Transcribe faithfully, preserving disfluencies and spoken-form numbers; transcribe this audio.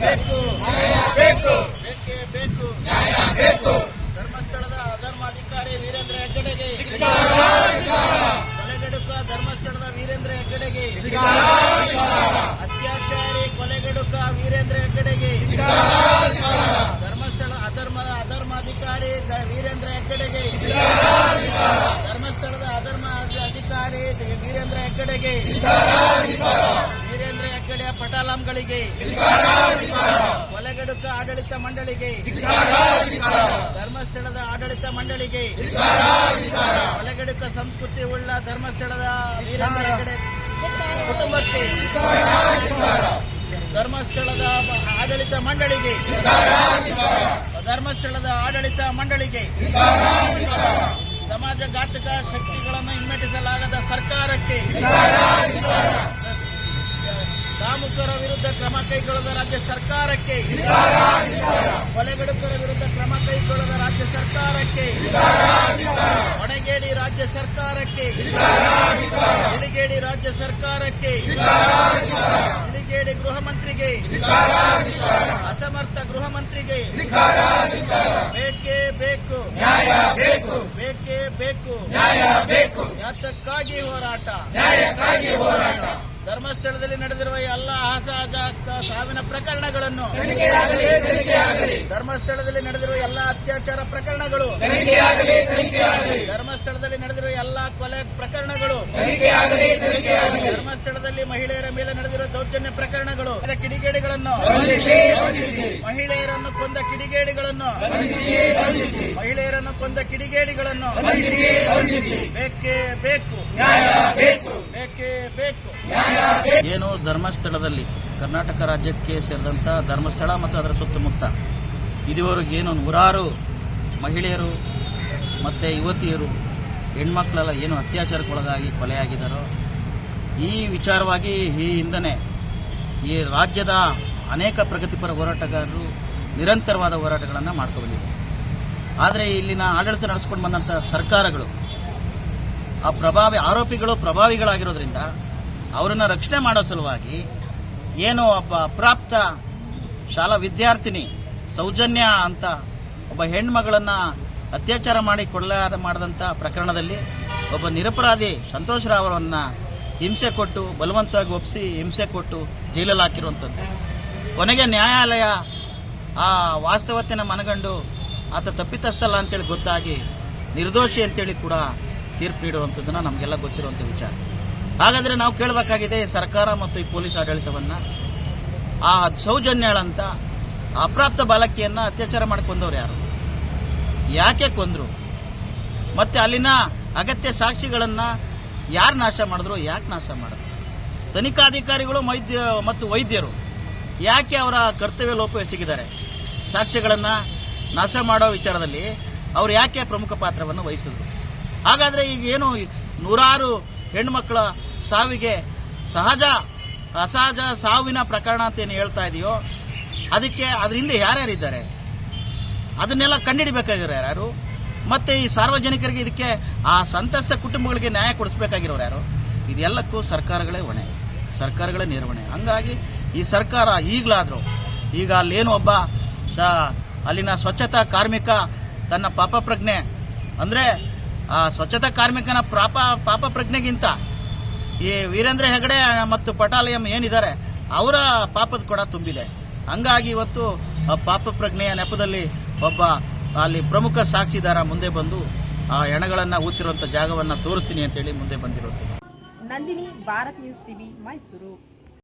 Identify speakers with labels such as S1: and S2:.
S1: ಬೇಕು,
S2: ಬೇಕು,
S1: ಬೇಕೇ ಬೇಕು, ಧರ್ಮಸ್ಥಳದ ಅಧರ್ಮಾಧಿಕಾರಿ ವೀರೇಂದ್ರ ಹೆಗ್ಗಡೆಗೆ, ಕೊಲೆಗಡುಕ ಧರ್ಮಸ್ಥಳದ ವೀರೇಂದ್ರ ಹೆಗ್ಗಡೆಗೆ, ಅತ್ಯಾಚಾರಿ ಕೊಲೆಗಡುಕ ವೀರೇಂದ್ರ ಹೆಗ್ಗಡೆಗೆ, ಧರ್ಮಸ್ಥಳ ಅಧರ್ಮದ ಅಧರ್ಮಾಧಿಕಾರಿ ವೀರೇಂದ್ರ ಹೆಗ್ಗಡೆಗೆ, ಧರ್ಮಸ್ಥಳದ ಅಧರ್ಮ ಅಧಿಕಾರಿ ವೀರೇಂದ್ರ ಹೆಗ್ಗಡೆಗೆ, ವೀರೇಂದ್ರ ಹೆಗ್ಗಡೆಯ ಪಟಾಲಂಗಳಿಗೆ, ಕೊಲೆಗಡುಕ ಆಡಳಿತ ಮಂಡಳಿಗೆ, ಧರ್ಮಸ್ಥಳದ ಆಡಳಿತ ಮಂಡಳಿಗೆ, ಕೊಲೆಗಡುಕ ಸಂಸ್ಕೃತಿ ಉಳ್ಳ ಧರ್ಮಸ್ಥಳದ ವೀರೇಂದ್ರ ಹೆಗ್ಗಡೆ ಕುಟುಂಬಕ್ಕೆ, ಧರ್ಮಸ್ಥಳದ ಆಡಳಿತ ಮಂಡಳಿಗೆ, ಧರ್ಮಸ್ಥಳದ ಆಡಳಿತ ಮಂಡಳಿಗೆ, ಸಮಾಜಘಾತಕ ಶಕ್ತಿಗಳನ್ನು ಹಿಮ್ಮೆಟ್ಟಿಸಲಾಗದ ಸರ್ಕಾರಕ್ಕೆ, ಕಾಮುಕರ ವಿರುದ್ಧ ಕ್ರಮ ಕೈಗೊಳ್ಳದ ರಾಜ್ಯ ಸರ್ಕಾರಕ್ಕೆ, ಕೊಲೆಗಡುಕರ ವಿರುದ್ಧ ಕ್ರಮ ಕೈಗೊಳ್ಳದ ರಾಜ್ಯ ಸರ್ಕಾರಕ್ಕೆ, ಹೊಣೆಗೇಡಿ ರಾಜ್ಯ ಸರ್ಕಾರಕ್ಕೆ, ಇಳಿಗೇಡಿ ರಾಜ್ಯ ಸರ್ಕಾರಕ್ಕೆ, ಇಳಿಗೇಡಿ ಗೃಹ ಮಂತ್ರಿಗೆ, ಅಸಮರ್ಥ ಗೃಹ ಮಂತ್ರಿಗೆ ಬೇಕೇ ಬೇಕು, ಬೇಕೇ ಬೇಕು, ಯಾತಕ್ಕಾಗಿ ಹೋರಾಟ, ಧರ್ಮಸ್ಥಳದಲ್ಲಿ ನಡೆದಿರುವ ಎಲ್ಲ ಅಸಹಜ ಸಾವಿನ ಪ್ರಕರಣಗಳನ್ನು, ಧರ್ಮಸ್ಥಳದಲ್ಲಿ ನಡೆದಿರುವ ಎಲ್ಲ ಅತ್ಯಾಚಾರ ಪ್ರಕರಣಗಳು, ಧರ್ಮಸ್ಥಳದಲ್ಲಿ ನಡೆದಿರುವ ಎಲ್ಲ ಕೊಲೆ ಪ್ರಕರಣಗಳು, ಧರ್ಮಸ್ಥಳದಲ್ಲಿ ಮಹಿಳೆಯರ ಮೇಲೆ ನಡೆದಿರುವ ದೌರ್ಜನ್ಯ ಪ್ರಕರಣಗಳು, ಕಿಡಿಗೇಡಿಗಳನ್ನು, ಮಹಿಳೆಯರನ್ನು ಕೊಂದ ಕಿಡಿಗೇಡಿಗಳನ್ನು, ಮಹಿಳೆಯರನ್ನು ಕೊಂದ ಕಿಡಿಗೇಡಿಗಳನ್ನು ಬೇಕೇ ಬೇಕು, ಬೇಕೇ ಬೇಕು.
S3: ಏನು ಧರ್ಮಸ್ಥಳದಲ್ಲಿ ಕರ್ನಾಟಕ ರಾಜ್ಯಕ್ಕೆ ಸೇರಿದಂಥ ಧರ್ಮಸ್ಥಳ ಮತ್ತು ಅದರ ಸುತ್ತಮುತ್ತ ಇದುವರೆಗೆ ಏನು ನೂರಾರು ಮಹಿಳೆಯರು ಮತ್ತು ಯುವತಿಯರು ಹೆಣ್ಮಕ್ಳೆಲ್ಲ ಏನು ಅತ್ಯಾಚಾರಕ್ಕೊಳಗಾಗಿ ಕೊಲೆಯಾಗಿದ್ದಾರೋ ಈ ವಿಚಾರವಾಗಿ ಈ ಹಿಂದನೆ ಈ ರಾಜ್ಯದ ಅನೇಕ ಪ್ರಗತಿಪರ ಹೋರಾಟಗಾರರು ನಿರಂತರವಾದ ಹೋರಾಟಗಳನ್ನು ಮಾಡ್ಕೊಂಡು ಬಂದಿದ್ದಾರೆ. ಆದರೆ ಇಲ್ಲಿನ ಆಡಳಿತ ನಡೆಸ್ಕೊಂಡು ಬಂದಂಥ ಸರ್ಕಾರಗಳು ಆ ಪ್ರಭಾವಿ ಆರೋಪಿಗಳು ಪ್ರಭಾವಿಗಳಾಗಿರೋದ್ರಿಂದ ಅವರನ್ನು ರಕ್ಷಣೆ ಮಾಡೋ ಸಲುವಾಗಿ ಏನು ಒಬ್ಬ ಅಪ್ರಾಪ್ತ ಶಾಲಾ ವಿದ್ಯಾರ್ಥಿನಿ ಸೌಜನ್ಯ ಅಂತ ಒಬ್ಬ ಹೆಣ್ಮಗಳನ್ನು ಅತ್ಯಾಚಾರ ಮಾಡಿ ಕೊಲೆ ಮಾಡಿದಂಥ ಪ್ರಕರಣದಲ್ಲಿ ಒಬ್ಬ ನಿರಪರಾಧಿ ಸಂತೋಷ್ ರಾವ್ ಅವರನ್ನು ಹಿಂಸೆ ಕೊಟ್ಟು ಬಲವಂತವಾಗಿ ಒಪ್ಪಿಸಿ ಹಿಂಸೆ ಕೊಟ್ಟು ಜೈಲಲ್ಲಿ ಹಾಕಿರುವಂಥದ್ದು. ಕೊನೆಗೆ ನ್ಯಾಯಾಲಯ ಆ ವಾಸ್ತವತೆಯನ್ನು ಮನಗಂಡು ಆತ ತಪ್ಪಿತಸ್ಥಲ್ಲ ಅಂತೇಳಿ ಗೊತ್ತಾಗಿ ನಿರ್ದೋಷಿ ಅಂತೇಳಿ ಕೂಡ ತೀರ್ಪು ನೀಡುವಂಥದ್ದನ್ನು ನಮಗೆಲ್ಲ ಗೊತ್ತಿರುವಂಥ ವಿಚಾರ. ಹಾಗಾದರೆ ನಾವು ಕೇಳಬೇಕಾಗಿದೆ ಸರ್ಕಾರ ಮತ್ತು ಈ ಪೊಲೀಸ್ ಆಡಳಿತವನ್ನು ಆ ಸೌಜನ್ಯಳಂತ ಅಪ್ರಾಪ್ತ ಬಾಲಕಿಯನ್ನು ಅತ್ಯಾಚಾರ ಮಾಡಿ ಕೊಂದವ್ರು ಯಾರು, ಯಾಕೆ ಕೊಂದರು, ಮತ್ತೆ ಅಲ್ಲಿನ ಅಗತ್ಯ ಸಾಕ್ಷಿಗಳನ್ನು ಯಾರು ನಾಶ ಮಾಡಿದ್ರು, ಯಾಕೆ ನಾಶ ಮಾಡಿದ್ರು, ತನಿಖಾಧಿಕಾರಿಗಳು ವೈದ್ಯ ಮತ್ತು ವೈದ್ಯರು ಯಾಕೆ ಅವರ ಕರ್ತವ್ಯ ಲೋಪ ಎಸಗಿದ್ದಾರೆ, ಸಾಕ್ಷ್ಯಗಳನ್ನು ನಾಶ ಮಾಡೋ ವಿಚಾರದಲ್ಲಿ ಅವರು ಯಾಕೆ ಪ್ರಮುಖ ಪಾತ್ರವನ್ನು ವಹಿಸಿದ್ರು. ಹಾಗಾದರೆ ಈಗ ಏನು ನೂರಾರು ಹೆಣ್ಮಕ್ಳ ಸಾವಿಗೆ ಸಹಜ ಅಸಹಜ ಸಾವಿನ ಪ್ರಕರಣ ಅಂತ ಏನು ಹೇಳ್ತಾ ಇದೆಯೋ ಅದಕ್ಕೆ ಅದ್ರ ಹಿಂದೆ ಯಾರ್ಯಾರಿದ್ದಾರೆ ಅದನ್ನೆಲ್ಲ ಕಂಡುಹಿಡಿಬೇಕಾಗಿರೋ ಯಾರು, ಮತ್ತೆ ಈ ಸಾರ್ವಜನಿಕರಿಗೆ ಇದಕ್ಕೆ ಆ ಸಂತ್ರಸ್ತ ಕುಟುಂಬಗಳಿಗೆ ನ್ಯಾಯ ಕೊಡಿಸಬೇಕಾಗಿರೋರು ಯಾರು, ಇದೆಲ್ಲಕ್ಕೂ ಸರ್ಕಾರಗಳೇ ಹೊಣೆ, ಸರ್ಕಾರಗಳೇ ನಿರ್ವಹಣೆ. ಹಂಗಾಗಿ ಈ ಸರ್ಕಾರ ಈಗಲಾದರೂ ಈಗ ಅಲ್ಲೇನು ಒಬ್ಬ ಅಲ್ಲಿನ ಸ್ವಚ್ಛತಾ ಕಾರ್ಮಿಕ ತನ್ನ ಪಾಪ ಪ್ರಜ್ಞೆ ಅಂದರೆ ಆ ಸ್ವಚ್ಛತಾ ಕಾರ್ಮಿಕನ ಪಾಪ ಪಾಪ ಪ್ರಜ್ಞೆಗಿಂತ ಈ ವೀರೇಂದ್ರ ಹೆಗಡೆ ಮತ್ತು ಪಟಾಲಿಯಂ ಏನಿದ್ದಾರೆ ಅವರ ಪಾಪದ ಕೊಡ ತುಂಬಿದೆ. ಹಂಗಾಗಿ ಇವತ್ತು ಪಾಪ ಪ್ರಜ್ಞೆಯ ನೆಪದಲ್ಲಿ ಒಬ್ಬ ಅಲ್ಲಿ ಪ್ರಮುಖ ಸಾಕ್ಷಿದಾರ ಮುಂದೆ ಬಂದು ಆ ಹೆಣಗಳನ್ನು ಊತಿರುವಂಥ ಜಾಗವನ್ನು ತೋರಿಸ್ತೀನಿ ಅಂತೇಳಿ ಮುಂದೆ ಬಂದಿರೋದು.
S4: Nandini, Bharat news TV, Mysuru.